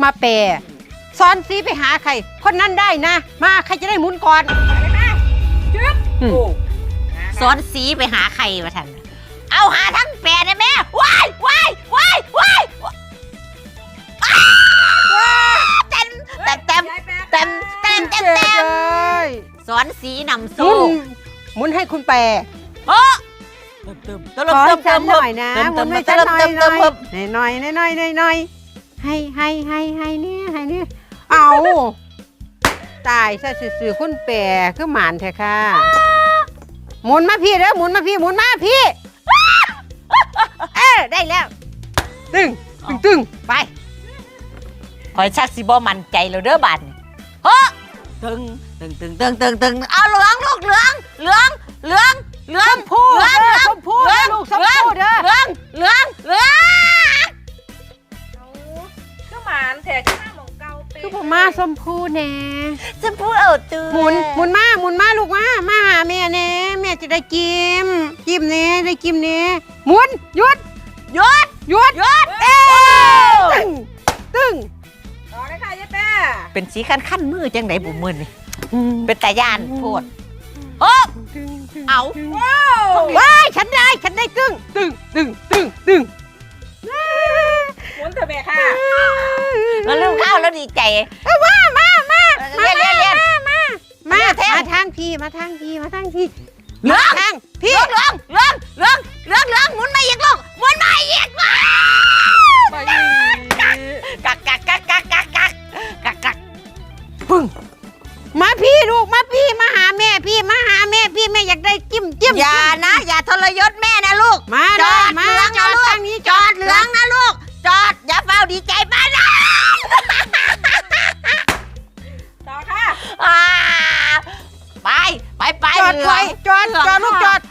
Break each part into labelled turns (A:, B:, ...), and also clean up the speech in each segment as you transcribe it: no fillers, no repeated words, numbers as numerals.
A: มาแปรซ้อนสีไปหาใครคนนั้นได้นะมาใครจะได้หมุนก่อน
B: ซ้อนสีไปหาใครมาทันเอาหาทั้งแปรนะแม่ว้ายว้ายว้ายว้ายเต็มสอนสีนำโซ่
A: หมุนให้คุณแปร
B: โอ้
A: ขอฉันหน่อยนะหมุนให้ฉันหน่อยหน่อยให้เนี่ยเอาตายซะสื่อคุณแปรคือหมานแท้ค่ะหมุนมาพี่เด้อหมุนมาพี่ได้แล้วตึง
B: ไปคอยชักสิบ่มั่นใจแล้วเด้อบัดเฮ้อตึงเอาเหลืองลูกเหลือง
A: ชมพูลูกชมพูเด้อ
B: เหลือง
C: ก็หมานแถที่หน้าหมองเกาเป็น
A: คือผมมาชมพูแน่
B: ชมพูเอาตัว
A: หมุนมาลูกมาหาแม่แน่แม่จะได้กิมเน่ได้กิมเน่หมุนหยุดตึง
C: ต่อเลยค่ะยายแป้
B: เป็นสีขั้นมือจังไหนบุ๋มมือนี่เป็นตาย่านโพดโอ้เอา
A: ว้ายฉันได้ตึง
C: หมุนเถอะแม่ค่ะ
B: แล้วลืมข้าวแล้วดีใจ
A: มา
B: ทาง
A: พี่เหลือง
B: ทางพี่หมุนมาอีกลูกหมุนมาอีกกักปึ้ง
A: มาพี่ลูกมาพี่มาหาแม่พี่แม่อยากได้จิ้ม
B: อย่าทรยศแม่นะลูก
A: จอดเหลืองนะลูก
B: จอดเหลืองนะลูกจอดอย่าเฝ้าดีใจบ้านนะ
C: ต่อค่ะ
B: ไป
A: จอดลูกจอด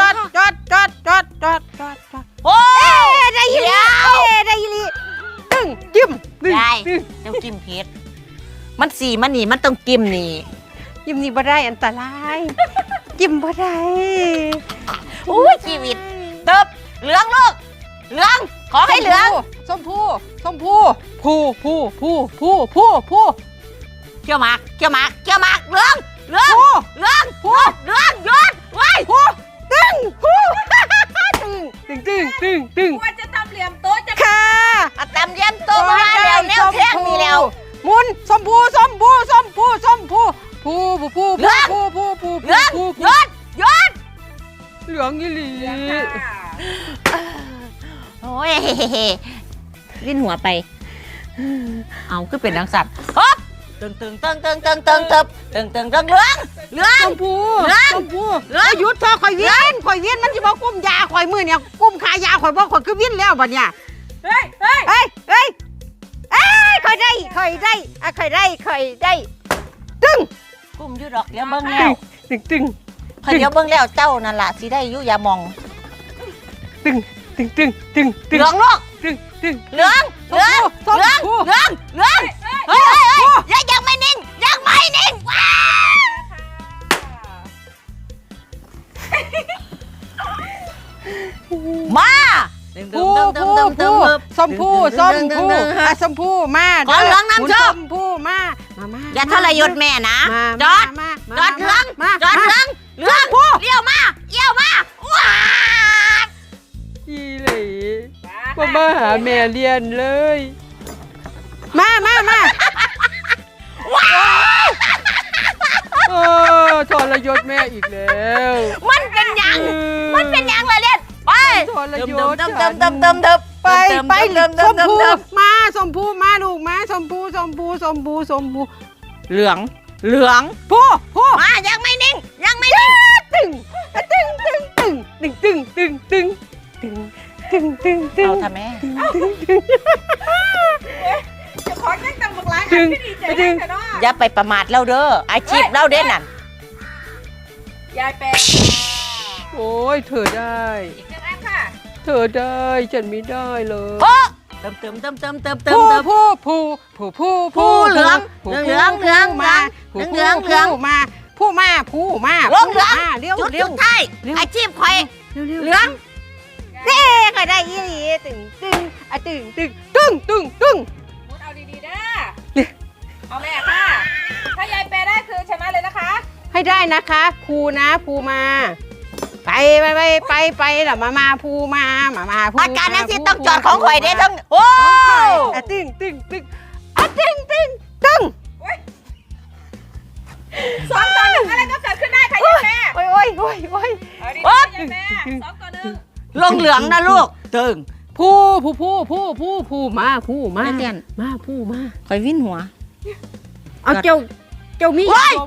B: โอ้
A: ได้ยินตึงจิ้ม
B: ได้เจ้าจิ้มเพชรมันสีมันนี่มันต้องจิ้มนี่
A: จิ้มนี่บ่ได้อันตรายจิ้มบ่ได้
B: ชีวิตเติบเหลืองลูกเหลืองขอให้เหลือง
A: ชมพู
B: เกี่ยวหมากเหลืองหยุดไว้
A: ตึง
C: ว่าจะทำเหลี่ยมโต๊ะจะ
A: ค่ะ
B: ตำเยี่ยมโตมาแล้วแนวเท่งมีแล้ว
A: หมุนชมพูเหลืองหยุดเหลืองยี่หลี
B: โอ้ยลิ้นหัวไปเอาคือเป็นดังสัตว์ฮึบตึงเหลือง
A: ชมพูหยุดเธอข่อยเวียนมันจะบอกกุ้มยาข่อยมือเนี่ยกุ้มขายาข่อยบอกข่อยคือวิ่นแล้วบัดเนี่ย
C: เฮ้ย
A: ข่อยได้ตึง
B: กุ้มยืดดอกเดี๋ยวเบิ้งแล้ว
A: ตึง
B: พอเดี๋ยวเบิ้งแล้วเจ้านั่นล่ะสิได้ยุ่ยามอง
A: ตึง
B: เหลืองลูกเหลืองเฮ้ยยังไม่นิ่งมา
A: ชมพูมา
B: ขอเหลืองน้ำชม
A: พูมา
B: อย่าทรยศแม่นะจอดเหลืองเลี้ยวมาว้า
A: อีหลีมาหาแม่เรียนเลยมาทรยศแม่อีกแล้ว
B: มันเป็นยังเลยเรียนไป
A: ทรยศ
B: ไป
A: ชมพูมาลูกมาชมพู
B: เหลือง
A: พู
B: มายังไม่นิ่ง
A: ตึง
B: เอาทำแม่
C: จะขอแจ้งตังบักหลายอันที่ดีใจได้แต่เนาะ
B: อย่าไปประมาทเราเด้ออาชีพเราเด่นนั่น
C: ยายแปร
A: โอ้ยเธอได้
C: อีกหนึ่งอันค่ะ
A: เธอได้ฉันไม่ได้เลย
B: เติม
A: ผู้
B: เหลือง
A: มาเลี้ยว
B: จุดท้ายอาชีพใครเหลือง
A: เฮ้ใครได้ยี่หลีตึง
C: มุดเอาดีๆเด้อ
A: ให้ได้นะคะภูนะภูมาไปหรอมาภูมาภู
B: อาการนั้นสิต้องจอดของข่อยเด้ต้องโอ้
A: อะตึ้งอะตึ้งตึ้ง
C: 2 ต่อ 1อะไรก็เกิดขึ้นได้ค่ะยายแม่
A: โอ้ย
C: เอาดีๆยายแม่2 ต่อ 1
B: ลงเหลืองนะลูกตึง
A: ภูมา
B: นักเรียน
A: มาภูมา
B: ข่อยวิ่นหัว
A: เอาเจ้ามี
B: โอ้ย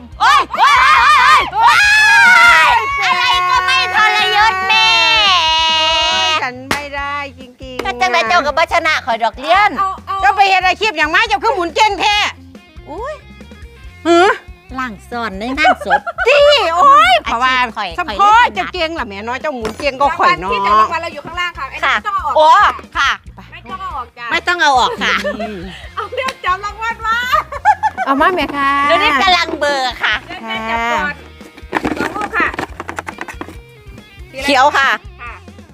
B: อะไรก็ไม่ทรยศแม่
A: ฉันไม่ได้จริงๆ
B: ก็จังไดเจ้ากับบัชนะข่อยดอกเลี้ยน
A: เจ้าไปเห็นอาชีพอย่างมาเจ้าคือหมุนเก่งแท้
B: อุ้ย
A: หือ
B: ล่างซ่อนในงานศพ
A: จี้โอ้ยเพราะว่า
B: ข่อย
A: สะพอเจ้าเก่งล่ะแม่น้อยเจ้าหมุนเก่งก็ข่อย
C: ที่
A: เนาะ
C: จะรางวัลเราอยู่ข้างล่างค่ะไอ้
B: ค่ะ
C: นี่ต้องเอาออก
B: โอ้ค่ะ
C: ไม่ต้องเอาออกจ้ะ
B: ไม่ต้องเอาออกค่ะ
C: เอาเดี๋ยวจับรางวัลมา
A: เอามาแม่ค่ะ
B: เดี๋ยวนี้กำลังเบลอร์ค่ะ
C: ยายแม่จับก่อน2 ลูกค่ะสีอะไร
B: เขียวค่ะ
C: ค่ะ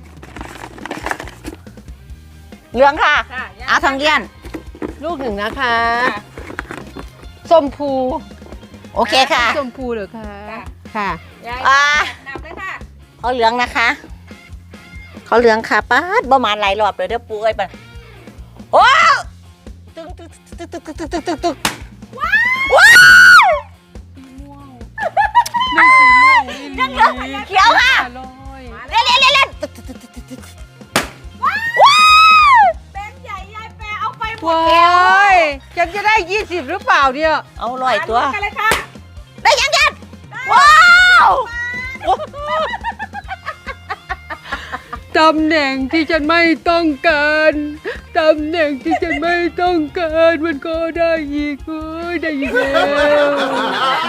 B: เหลืองค่ะ
C: ค่ะ
B: เอาทองเลี้ยน
A: ลูกหนึ่งนะคะ
C: ค่ะ
A: ส้มภู
B: โอเคค่ะ
A: ส้มภูเหรอคะ
C: ค่ะ
A: ค่ะ
C: ยาย
B: อ่า
C: นับเลยค่ะ
B: เขาเหลืองนะคะเขาเหลืองค่ะป้าดประมาณหลายรอบเลยเด้อปูเอ้ยปะโอ้ตึงว้าวเขียวค่ะเล่น
C: แบงค์ใหญ่ยายแปรเอาไปหมด
A: ว้ายฉันจะได้20หรือเปล่าเนี่ย
B: เอาลอยตัว
C: กันเลยค่ะ
B: ได้ยังว้าว
A: ตำแหน่งที่ฉันไม่ต้องการตำแหน่งที่ฉันไม่ต้องการมันก็ได้อีกเอ้ยได้อีกแล้ว